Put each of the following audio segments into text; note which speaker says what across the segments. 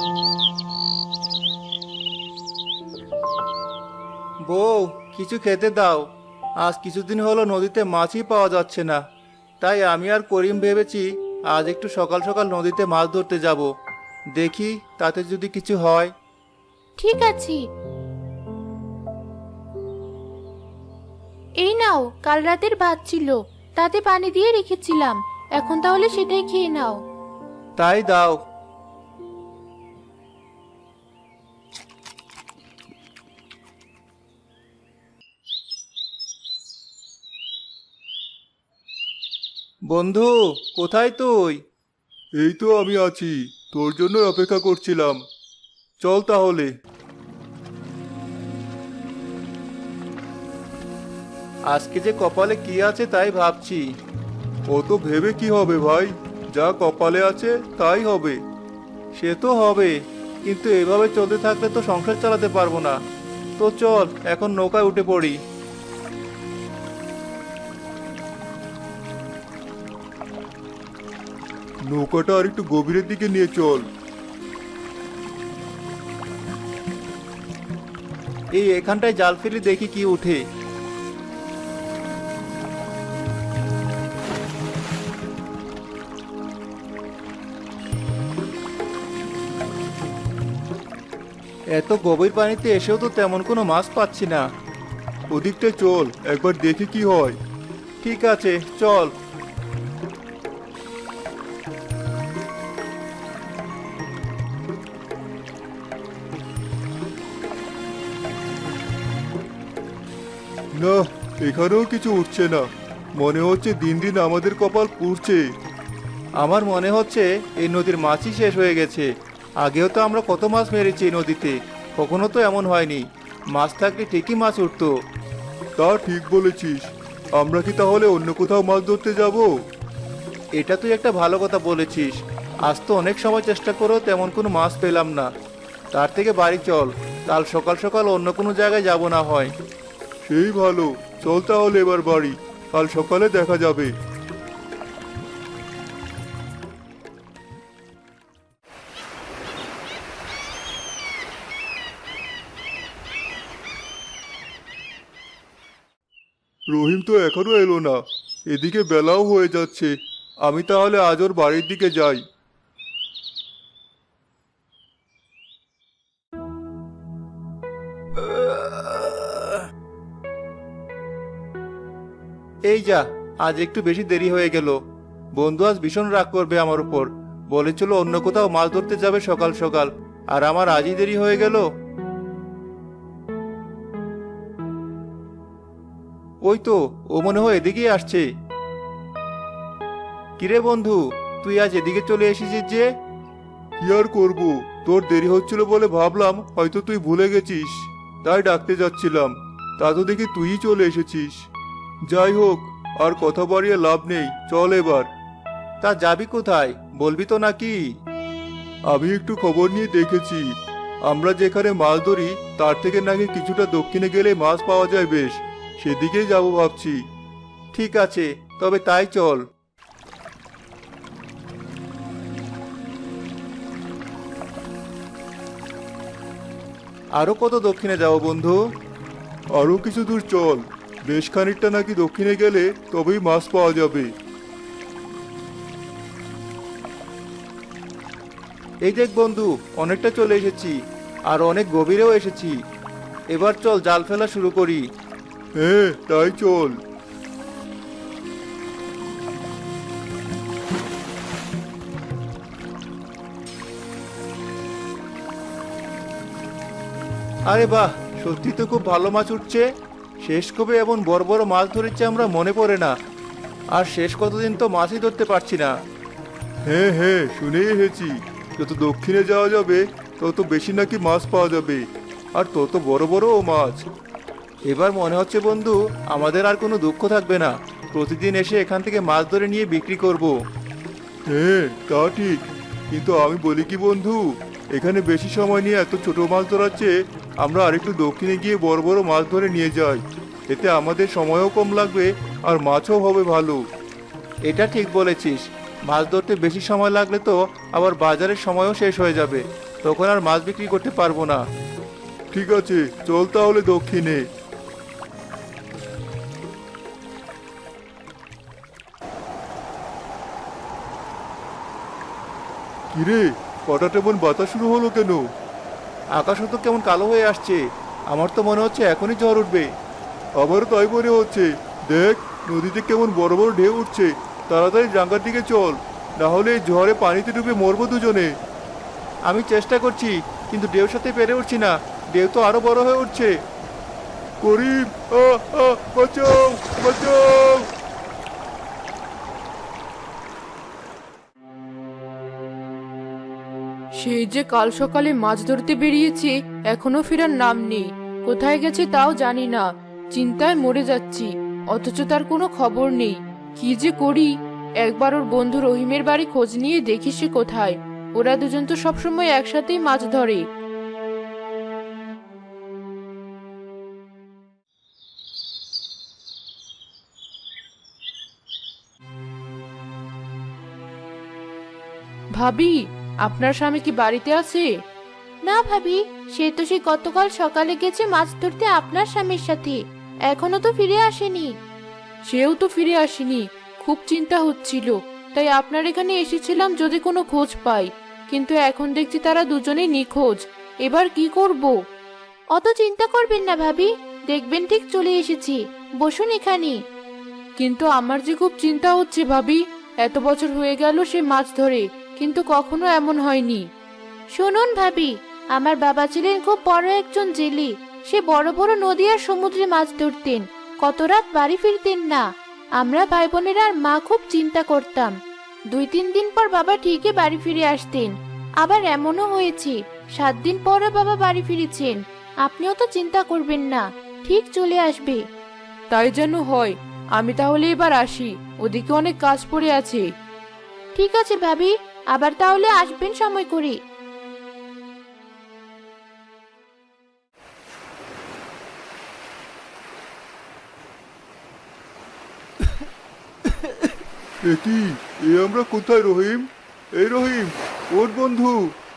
Speaker 1: বউ, কিছু খেতে দাও। আজ কিছুদিন হলো নদীতে মাছই পাওয়া যাচ্ছে না। তাই আমি আর করিম ভেবেছি আজ একটু সকাল সকাল নদীতে মাছ ধরতে যাব। দেখি তাতে যদি কিছু হয়।
Speaker 2: ঠিক আছে, এই নাও, কাল রাতের ভাত ছিল, তাতে পানি দিয়ে রেখেছিলাম। এখন তাহলে সেটাই খেয়ে নাও।
Speaker 1: তাই দাও। বন্ধু, কোথায় তুই? এই তো আমি আছি, তোর জন্য অপেক্ষা করছিলাম। চল তাহলে। আজকে যে কপালে কি আছে তাই ভাবছি। ও তো ভেবে কি হবে ভাই, যা কপালে আছে তাই হবে। সে তো হবে, কিন্তু এভাবে চলতে থাকলে তো সংসার চালাতে পারবো না। তো চল এখন নৌকায় উঠে পড়ি। নৌকাটা আর একটু গভীরের দিকে নিয়ে চল। এই এখানটায় জাল ফেলে দেখি কি উঠে। এত গভীর পানিতে এসেও তো তেমন কোনো মাছ পাচ্ছি না। ওদিকটায় চল, একবার দেখি কি হয়। ঠিক আছে, চল। না, এখানেও কিছু উঠছে না। মনে হচ্ছে দিন দিন আমাদের কপাল পুড়ছে। আমার মনে হচ্ছে এই নদীর মাছই শেষ হয়ে গেছে। আগেও তো আমরা কত মাছ মেরেছি এই নদীতে, কখনো তো এমন হয়নি। মাছ থাকলে ঠিকই মাছ উঠতো। তা ঠিক বলেছিস। আমরা কি তাহলে অন্য কোথাও মাছ ধরতে যাব? এটা তুই একটা ভালো কথা বলেছিস। আজ তো অনেক সময় চেষ্টা করেও তেমন কোনো মাছ পেলাম না। তার থেকে বাড়ি চল, কাল সকাল সকাল অন্য কোনো জায়গায় যাব না হয়। সেই ভালো, চল তাহলে এবার বাড়ি, কাল সকালে দেখা যাবে। রহিম তো এখনো এলো না, এদিকে বেলাও হয়ে যাচ্ছে। আমি তাহলে আজ ওর বাড়ির দিকে যাই। এই যা, আজ একটু বেশি দেরি হয়ে গেল। বন্ধু আজ ভীষণ রাগ করবে আমার উপর। বলেছিল অন্য কোথাও মাছ ধরতে যাবে সকাল সকাল, আর আমার আজই দেরি হয়ে গেল। ওই তো, ও মনে হয় এদিকেই আসছে। কিরে বন্ধু, তুই আজ এদিকে চলে এসেছিস যে? কি আর করব, তোর দেরি হচ্ছিল বলে ভাবলাম হয়তো তুই ভুলে গেছিস, তাই ডাকতে যাচ্ছিলাম। তা তো দেখি তুইই চলে এসেছিস। যাই হোক, আর কথা বাড়িয়ে লাভ নেই, চল এবার। তা যাবি কোথায়, বলবি তো নাকি? আমি একটু খবর নিয়ে দেখেছি, আমরা যেখানে মাছ ধরি তার থেকে নাকি কিছুটা দক্ষিণে গেলে মাছ পাওয়া যায় বেশ। সেদিকেই যাব ভাবছি। ঠিক আছে, তবে তাই চল। আরো কত দক্ষিণে যাব বন্ধু? আরো কিছু দূর চল, বেশ খানিকটা নাকি দক্ষিণে গেলে তবেই মাছ পাওয়া যাবে। এই দেখ বন্ধু, অনেকটা চলে এসেছি, আর অনেক গভীরেও এসেছি। এবার চল জাল ফেলা শুরু করি। হ্যাঁ, তাই চল। আরে বাহ, সত্যি তো খুব ভালো মাছ উঠছে। শেষ কবে এমন বড় বড় মাছ ধরেছি আমরা মনে পড়ে না। আর শেষ কতদিন তো মাছই ধরতে পারছি না। হ্যাঁ হ্যাঁ, শুনেই এসেছি, যত দক্ষিণে যাওয়া যাবে তত বেশি নাকি মাছ পাওয়া যাবে, আর তত বড় বড়ও মাছ। এবার মনে হচ্ছে বন্ধু, আমাদের আর কোনো দুঃখ থাকবে না। প্রতিদিন এসে এখান থেকে মাছ ধরে নিয়ে বিক্রি করব। হ্যাঁ, তা ঠিক, কিন্তু আমি বলি কি বন্ধু, এখানে বেশি সময় নিয়ে এত ছোট মাছ ধরার চেয়ে আমরা আরেকটু দক্ষিণে গিয়ে বড় বড় মাছ ধরে নিয়ে যাই। এতে আমাদের সময়ও কম লাগবে, আর মাছও হবে ভালো। এটা ঠিক বলেছিস। মাছ ধরতে বেশি সময় লাগলে তো আবার বাজারের সময়ও শেষ হয়ে যাবে। তখন আর মাছ বিক্রি করতে পারবো না। ঠিক আছে, চল তাহলে দক্ষিণে। কিরে, হঠাৎ এমন বাতাস শুরু হলো কেন? আকাশও তো কেমন কালো হয়ে আসছে। আমার তো মনে হচ্ছে এখনই ঝড় উঠবে। আমারও তাই মনে হচ্ছে। দেখ, নদীতে কেমন বড় বড় ঢেউ উঠছে। তাড়াতাড়ি ডাঙ্গার দিকে চল, না হলে এই ঝড়ে পানিতে ডুবে মরবো দুজনে। আমি চেষ্টা করছি, কিন্তু ঢেউর সাথে পেরে উঠছি না। ঢেউ তো আরো বড় হয়ে উঠছে। করিম, বাঁচাও, বাঁচাও!
Speaker 3: সেই যে কাল সকালে মাছ ধরতে বেরিয়েছে, এখনো ফেরার নাম নেই। কোথায় গেছে তাও জানি না। চিন্তায় মরে যাচ্ছি, অথচ তার কোনো খবর নেই। কি যে করি! একবার ওর বন্ধু রহিমের বাড়ি খোঁজ নিয়ে দেখি সে কোথায়। ওরা দুজন তো সবসময় একসাথেই মাছ ধরে। ভাবি, আপনার স্বামী কি বাড়িতে আছে?
Speaker 2: না ভাবি, সে তো সেই গতকাল সকালে গেছে মাছ ধরতে আপনার স্বামীর সাথে। এখনো তো ফিরে আসেনি।
Speaker 3: সেও তো ফিরে আসেনি। খুব চিন্তা হচ্ছিল, তাই আপনার এখানে এসেছিলাম যদি কোনো খোঁজ পাই। কিন্তু এখন দেখছি তারা দুজনেই নিখোঁজ। এবার কি করব?
Speaker 2: অত চিন্তা করবেন না ভাবি, দেখবেন ঠিক চলে এসেছি। বসুন এখানে।
Speaker 3: কিন্তু আমার যে খুব চিন্তা হচ্ছে ভাবি। এত বছর হয়ে গেল সে মাছ ধরে, কিন্তু কখনো এমন হয়নি।
Speaker 2: শুনুন ভাবি, আমার বাবা ছিলেন খুব বড় একজন জেলে। সে বড় বড় নদী আর সমুদ্রে মাছ ধরতেন। কত রাত বাড়ি ফিরতেন না। আমরা ভাই বোনেরা আর মা খুব চিন্তা করতাম। 2-3 দিন পর বাবা ঠিকই বাড়ি ফিরে আসতেন। আবার এমনও হয়েছে 7 দিন পরে বাবা বাড়ি ফিরেছেন। আপনিও তো চিন্তা করবেন না, ঠিক চলে আসবে।
Speaker 3: তাই যেন হয়। আমি তাহলে এবার আসি, ওদিকে অনেক কাজ পড়ে আছে।
Speaker 2: ঠিক আছে ভাবি, আবার তাহলে আসবেন সময় করে।
Speaker 1: কি, এ আমরা কোথায় রহিম? এই রহিম, ওর বন্ধু।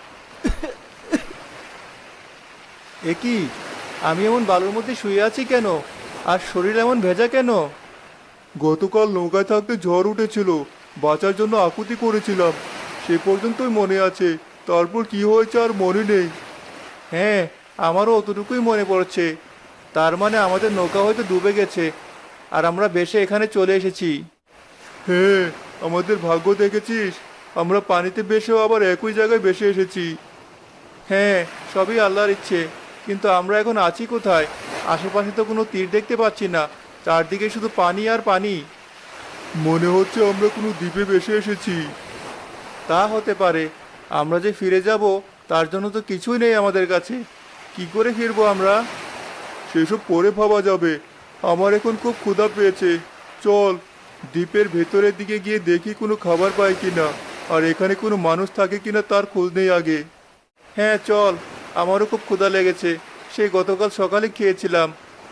Speaker 1: কি, আমি এমন বালুর মধ্যে শুয়ে আছি কেন? আর শরীর এমন ভেজা কেন? গতকাল নৌকায় থাকতে ঝড় উঠেছিল, বাঁচার জন্য আকুতি করেছিলাম। সে পর্যন্তই মনে আছে। তারপর কি হয়েছে আর মনে নেই। হ্যাঁ, আমারও অতটুকুই মনে পড়ছে। তার মানে আমাদের নৌকা হয়তো ডুবে গেছে, আর আমরা ভেসে এখানে চলে এসেছি। হ্যাঁ, আমাদের ভাগ্য দেখেছিস। আমরা পানিতে ভেসেও আবার একই জায়গায় ভেসে এসেছি। হ্যাঁ, সবই আল্লাহর ইচ্ছে। কিন্তু আমরা এখন আছি কোথায়? আশেপাশে তো কোনো তীর দেখতে পাচ্ছি না। চারদিকে শুধু পানি আর পানি। মনে হচ্ছে আমরা কোনো দ্বীপে ভেসে এসেছি। তা হতে পারে। আমরা যে ফিরে যাব, তার জন্য তো কিছুই নেই আমাদের কাছে। কি করে ফিরবো আমরা? সেসব পরে ভাবা যাবে। আমার এখন খুব ক্ষুধা পেয়েছে। চল, দ্বীপের ভেতরের দিকে গিয়ে দেখি কোনো খাবার পাই কিনা, আর এখানে কোনো মানুষ থাকে কিনা তার খোঁজ নেই আগে। হ্যাঁ চল, আমারও খুব ক্ষুধা লেগেছে। সেই গতকাল সকালে খেয়েছিলাম।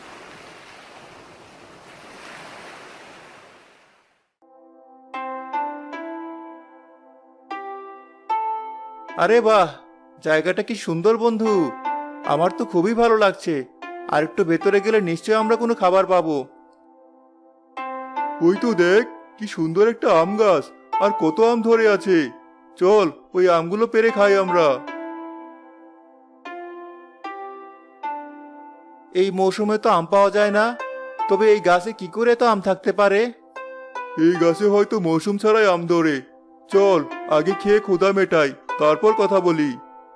Speaker 1: আরে বাহ, জায়গাটা কি সুন্দর বন্ধু। আমার তো খুবই ভালো লাগছে। আর একটু ভেতরে গেলে নিশ্চয়ই আমরা কোনো খাবার পাবো। ওই তো দেখ, কি সুন্দর একটা আম গাছ, আর কত আম ধরে আছে। চল, ওই আমগুলো পেড়ে খাই আমরা। এই মৌসুমে তো আম পাওয়া যায় না। তবে এই গাছে কি করে তো আম থাকতে পারে? এই গাছে হয়তো মৌসুম ছাড়াই আম ধরে। চল, আগে খেয়ে ক্ষুধা মেটাই, তারপর কথা বলি।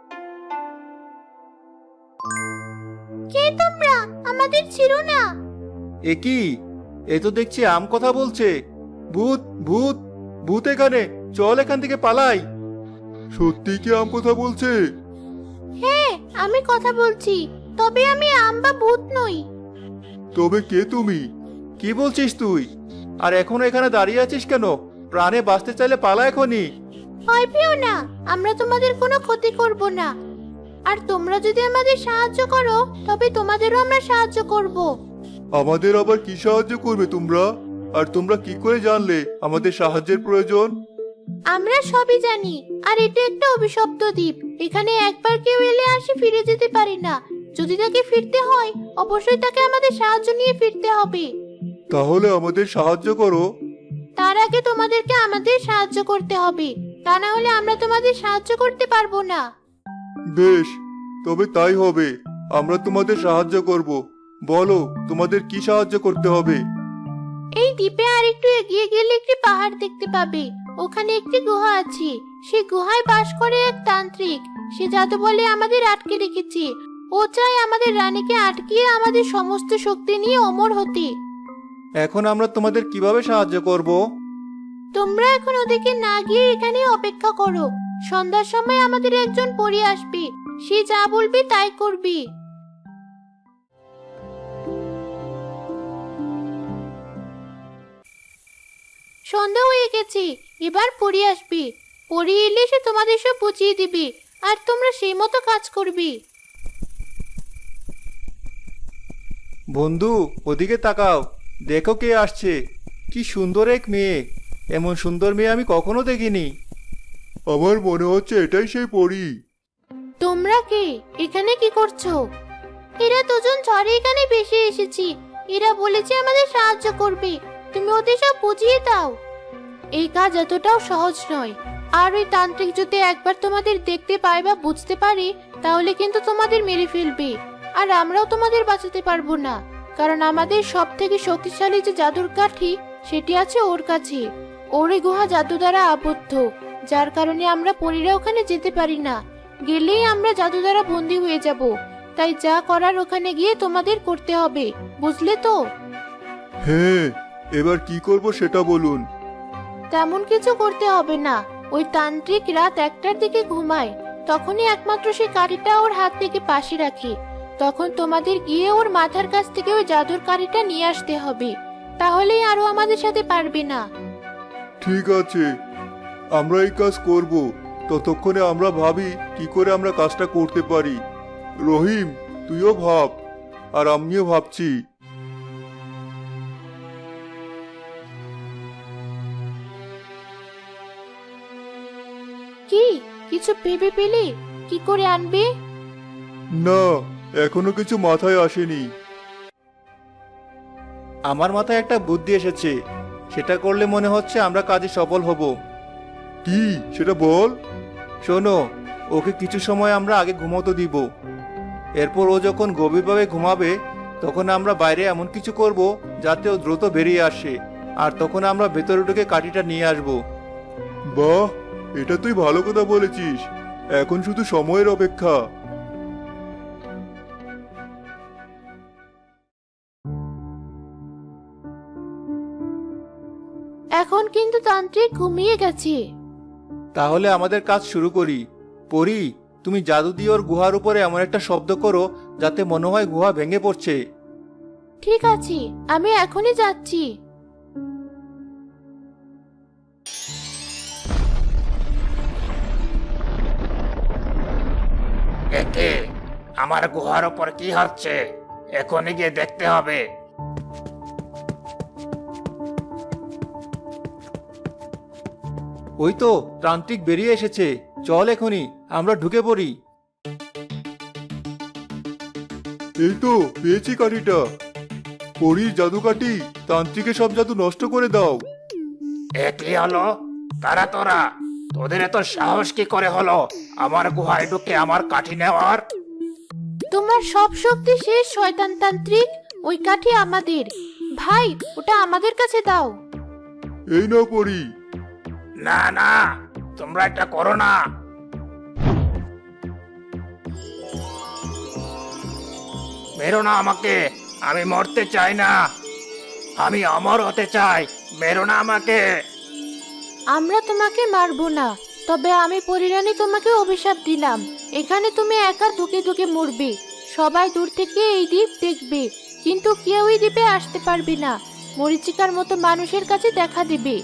Speaker 2: কে তোমরা? আমাদের ছিড়ো না।
Speaker 1: এ কি, এ তো দেখছি আম কথা বলছে। ভূত, ভূত, ভূত এখানে। চল এখান থেকে পালাই। সত্যি কি আম কথা বলছে?
Speaker 2: হ্যাঁ, আমি কথা বলছি, তবে আমি আম বা ভূত নই।
Speaker 1: তবে কে তুমি? কি বলছিস তুই? আর এখনো এখানে দাঁড়িয়ে আছিস কেন? প্রাণে বাঁচতে চাইলে পালা এখনই।
Speaker 2: ভয় পেও না, আমরা তোমাদের কোনো ক্ষতি করব না। আর তোমরা যদি আমাদের সাহায্য করো, তবে তোমাদেরও আমরা সাহায্য করব।
Speaker 1: আমাদের আবার কি সাহায্য করবে তোমরা? আর তোমরা কি করে জানলে আমাদের সাহায্যের প্রয়োজন?
Speaker 2: আমরা সবই জানি, আর এটা একটা অভিশপ্ত দ্বীপ। এখানে একবার কেউ এলে আর সে ফিরে যেতে পারে না। যদি তাকে ফিরতে হয়, অবশ্যই তাকে আমাদের সাহায্য নিয়ে ফিরতে হবে।
Speaker 1: তাহলে আমাদের সাহায্য করো।
Speaker 2: তার আগে তোমাদেরকে আমাদের সাহায্য করতে হবে, তা না হলে আমরা তোমাদের সাহায্য করতে পারবো না।
Speaker 1: বেশ, তবে তাই হবে। আমরা তোমাদের সাহায্য করব। বলো, তোমাদের কি সাহায্য করতে হবে?
Speaker 2: এই দ্বীপে আর একটু এগিয়ে গেলে একটি পাহাড় দেখতে পাবে। ওখানে একটি গুহা আছে। সেই গুহায় বাস করে এক তান্ত্রিক। সে জাদু বলে আমাদের আটকে রেখেছে। ও চায় আমাদের রানীকে আটকিয়ে আমাদের সমস্ত শক্তি নিয়ে অমর হতে।
Speaker 1: এখন আমরা তোমাদের কিভাবে সাহায্য করব?
Speaker 2: তোমরা এখন ওদিকে না গিয়ে এখানে অপেক্ষা করো। সন্ধ্যার সময় আমাদের একজন পরী আসবে। সে যা বলবে তাই করবে। সন্ধ্যা হয়ে গেছে, এবার পরী আসবে। পরী এলে সে তোমাদের সব বুঝিয়ে দিবে, আর তোমরা সেই মতো কাজ করবে।
Speaker 1: বন্ধু, ওদিকে তাকাও। দেখো কে আসছে। কি সুন্দর এক মেয়ে। এমন সুন্দর মেয়ে আমি কখনো দেখিনি। আমার মনে হচ্ছে এটাই সেই পরী।
Speaker 2: তোমরা কে? এখানে কি করছো? এরা দুজন ঝড়ে এখানে ভেসে এসেছি। এরা বলেছে আমাদের সাহায্য করবে। তুমি ওদের সব বুঝিয়ে দাও। এই কাজ এতটাও সহজ নয়। আর ওই তান্ত্রিক যদি একবার তোমাদের দেখতে পায় বা বুঝতে পারে, তাহলে কিন্তু তোমাদের মেরে ফেলবে। আর আমরাও তোমাদের বাঁচাতে পারবো না, কারণ আমাদের সব থেকে শক্তিশালী যে জাদুর কাঠি, সেটি আছে ওর কাছে। ওর এই গুহা জাদু দ্বারা আবদ্ধ, যার কারণে আমরা পরীরা ওখানে যেতে পারি না। গেলেই আমরা জাদু দ্বারা বন্দী হয়ে যাব। তাই যা করার ওখানে গিয়ে তোমাদের করতে হবে, বুঝলে তো?
Speaker 1: হ্যাঁ, এবার কি করব সেটা বলুন।
Speaker 2: তেমন কিছু করতে হবে না। ওই তান্ত্রিক রাত 1টার দিকে ঘুমায়। তখনই একমাত্র সেই কাঠিটা ওর হাত থেকে পাশে রাখে। তখন তোমাদের গিয়ে ওর মাথার কাছ থেকে ওই জাদুর কাঠিটা নিয়ে আসতে হবে। তাহলেই আরো আমাদের সাথে পারবে না।
Speaker 1: ঠিক আছে, আমরা এই কাজ করব। ততক্ষণে আমরা ভাবি কি করে আমরা কাজটা করতে পারি। রহিম, তুইও ভাব, আর আমিও ভাবছি।
Speaker 2: কি কিছু ভেবে পেলে? কি করে আনবে?
Speaker 1: না, এখনো কিছু মাথায় আসেনি। আমার মাথায় একটা বুদ্ধি এসেছে। সেটা করলে মনে হচ্ছে আমরা কাজে সফল হব। কি সেটা বল। শোনো, ওকে কিছু সময় আমরা আগে ঘুমোতে দিব। এরপর ও যখন গভীরভাবে ঘুমাবে, তখন আমরা বাইরে এমন কিছু করব যাতে ও দ্রুত বেরিয়ে আসে। আর তখন আমরা ভেতরে ঢুকে কাঠিটা নিয়ে আসব। বাহ, এটা তুই ভালো কথা বলেছিস। এখন শুধু সময়ের অপেক্ষা।
Speaker 2: এখন কিন্তু তান্ত্রিক ঘুমিয়ে গেছে।
Speaker 1: তাহলে আমাদের কাজ শুরু করি। পরি, তুমি জাদু দিয়ে ওর গুহার উপরে এমন একটা শব্দ করো যাতে মনে হয় গুহা ভেঙে পড়ছে।
Speaker 2: ঠিক আছে, আমি এখনই যাচ্ছি।
Speaker 4: একে আমার গুহার ওপর কি হচ্ছে? এখনই গিয়ে দেখতে হবে।
Speaker 1: ওই তো তান্ত্রিক বেরিয়ে এসেছে। চল এখনই আমরা ঢুকে পড়ি। এই তো পেয়েছি কাঠিটা। পরীর জাদু কাঠি। তান্ত্রিকের সব জাদু নষ্ট করে দাও।
Speaker 4: এ কি হলো? তারা তোরা, তোদের এত সাহস কি করে হলো আমার গুহায় ঢুকে আমার কাঠি নেওয়ার?
Speaker 2: তোমার সব শক্তি শেষ, শয়তান তান্ত্রিক। ওই কাঠি আমাদের। ভাই, ওটা আমাদের কাছে দাও।
Speaker 1: এই নাও পরি।
Speaker 4: না না, তোমরা এটা করো না। মেরো না আমাকে। আমি মরতে চাই না। আমি অমর হতে চাই। মেরো না আমাকে।
Speaker 2: আমরা তোমাকে মারবো না, তবে আমি পরিরানী তোমাকে অভিশাপ দিলাম। এখানে তুমি একা ধুকে ধুকে মরবে। সবাই দূর থেকে এই দ্বীপ দেখবে, কিন্তু কেউ এই দ্বীপে আসতে পারবে না। মরীচিকার মতো মানুষের কাছে দেখা দেবে।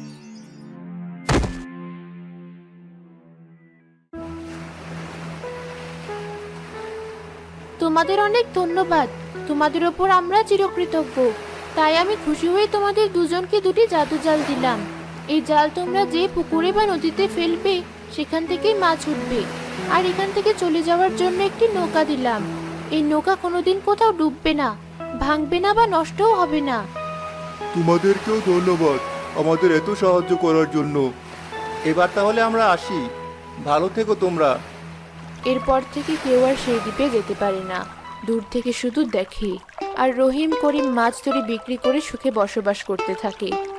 Speaker 2: তোমাদের অনেক ধন্যবাদ। তোমাদের ওপর আমরা চিরকৃতজ্ঞ। তাই আমি খুশি হয়ে তোমাদের দুজনকে দুটি জাদু জাল দিলাম। এই জাল তোমরা যে পুকুরে বা নদীতে ফেলবে সেখান থেকেই মাছ উঠবে। আর এখান থেকে চলে যাওয়ার জন্য একটি নৌকা দিলাম। এই নৌকা কোনোদিন কোথাও ডুববে না, ভাঙবে না বা নষ্টও হবে না।
Speaker 1: তোমাদেরকেও ধন্যবাদ আমাদের এত সাহায্য করার জন্য। এবার তাহলে আমরা আসি, ভালো থেকো তোমরা।
Speaker 2: এরপর থেকে কেউ আর সেই দ্বীপে যেতে পারে না, দূর থেকে শুধু দেখে। আর রহিম করিম মাছ ধরে বিক্রি করে সুখে বসবাস করতে থাকে।